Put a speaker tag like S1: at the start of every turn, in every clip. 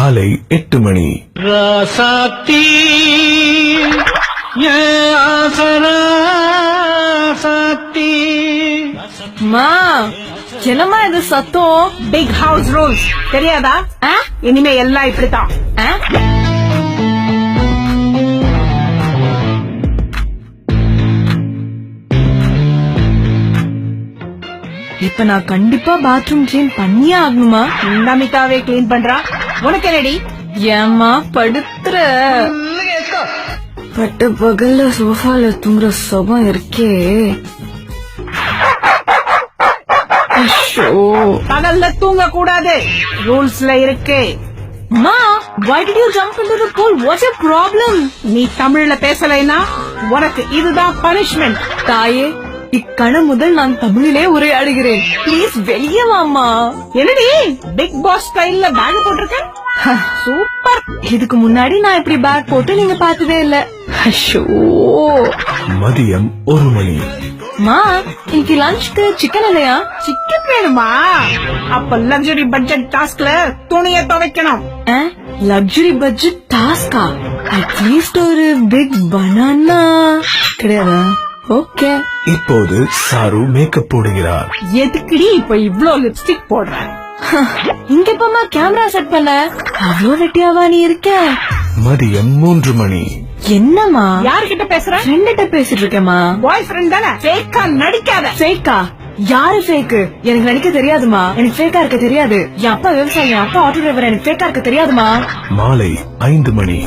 S1: காலை 8 மணி.
S2: ராசாத்தி
S3: மா, என்னம்மா இது சத்தம்?
S4: பிக் ஹவுஸ் ரூல்ஸ் தெரியாதா? இனிமே எல்லாம் இப்படித்தான்.
S3: இப்ப நான் கண்டிப்பா பாத்ரூம் கிளீன் பண்ணியே ஆகணுமா?
S4: நமிதாவே கிளீன் பண்றா. உனக்கு ரெடி?
S3: ஏம்மா படுத்துற? பட்ட பகல்ல சோஃபால தூங்குற சுகம் இருக்கே.
S4: பகல்ல தூங்க கூடாது, ரூல்ஸ்ல இருக்கு.
S3: Ma, why did you jump into the pool? What's your problem?
S4: நீ தமிழ்ல பேசலைனா உனக்கு இதுதான் பனிஷ்மெண்ட்.
S3: தாயே, இக்கண முதல் நான் தமிழிலே உரையாடுகிறேன். ப்ளீஸ் வெளியே வாமா.
S4: என்னடி பிக் பாஸ் ஸ்டைல்ல பேக் போட்டிருக்க? சூப்பர்.
S3: இதுக்கு முன்னாடி நான் இப்படி பேக் போட்டு நீங்க பார்த்ததே இல்ல. ஐயோ.
S1: மதியம் 1 மணி.
S3: மா, இன்னைக்கு லஞ்ச்க்கு சிக்கன் இல்லையா?
S4: சிக்கன் வேணுமா? அப்ப லக்ஸுரி பட்ஜெட் டாஸ்க்ல துணியை துவைக்கணும்.
S3: லக்ஸுரி பட்ஜெட் டாஸ்கா? அட்லீஸ்ட் ஒரு பிக் பனானா கிடையாதா? ஓகே.
S1: இப்போது சாரு மேக்கப் போடுகிறார்.
S4: எதுக்குடி இப்ப இவ்ளோ லிப்ஸ்டிக் போடுற?
S3: இங்க எப்பமா கேமரா செட் பண்ண? அவ்வளோ வெட்டியாவா நீ இருக்க?
S1: மதியம் 3 மணி.
S4: என்னம்மா? யார்கிட்ட பேசுற?
S3: ஃப்ரெண்ட்ட பேசிட்டு இருக்கேமா.
S4: பாய் ஃப்ரெண்ட் தானே? ஃபேக்கா நடிக்காத.
S3: ஃபேக்கா? யாரு ஃபேக்கு? எனக்கு நடிக்க தெரியாதுமா. எனக்கு ஃபேக்கா இருக்க தெரியாது. என் அப்பா விவசாயி, என் அப்பா ஆட்டோ டிரைவர். எனக்கு ஃபேக்கா இருக்க தெரியாதுமா.
S1: மாலை 5 மணி.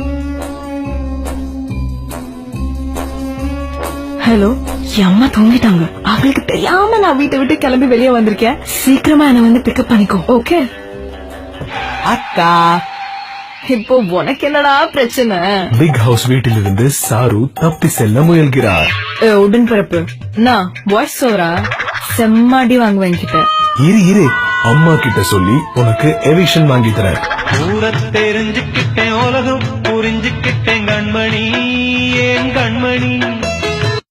S3: ஹலோ, என் அம்மா தூங்கிட்டாங்க. அவங்களுக்கு தெரியாம நான் வீட்டை விட்டு கிளம்பி வெளியே வந்திருக்கேன். சீக்கிரமா என்ன வந்து பிக்கப் பண்ணிக்கோ. ஓகே அக்கா. இப்போ உனக்கு என்னடா பிரச்சனை?
S1: பிக் ஹவுஸ் வீட்டிலிருந்து சாரு தப்பி செல்ல முயல்கிறார்.
S3: உடன்பிறப்பு நான் வாய்ஸ் ஓவரா செம்மாடி வாங்குவேன் கிட்ட.
S1: இரு அம்மா கிட்ட சொல்லி உனக்கு எவிக்ஷன் வாங்கி தரேன்.
S2: ஊர தெரிஞ்சுக்கிட்டேன், உலகம் புரிஞ்சுக்கிட்டேன் கண்மணி, ஏன் கண்மணி.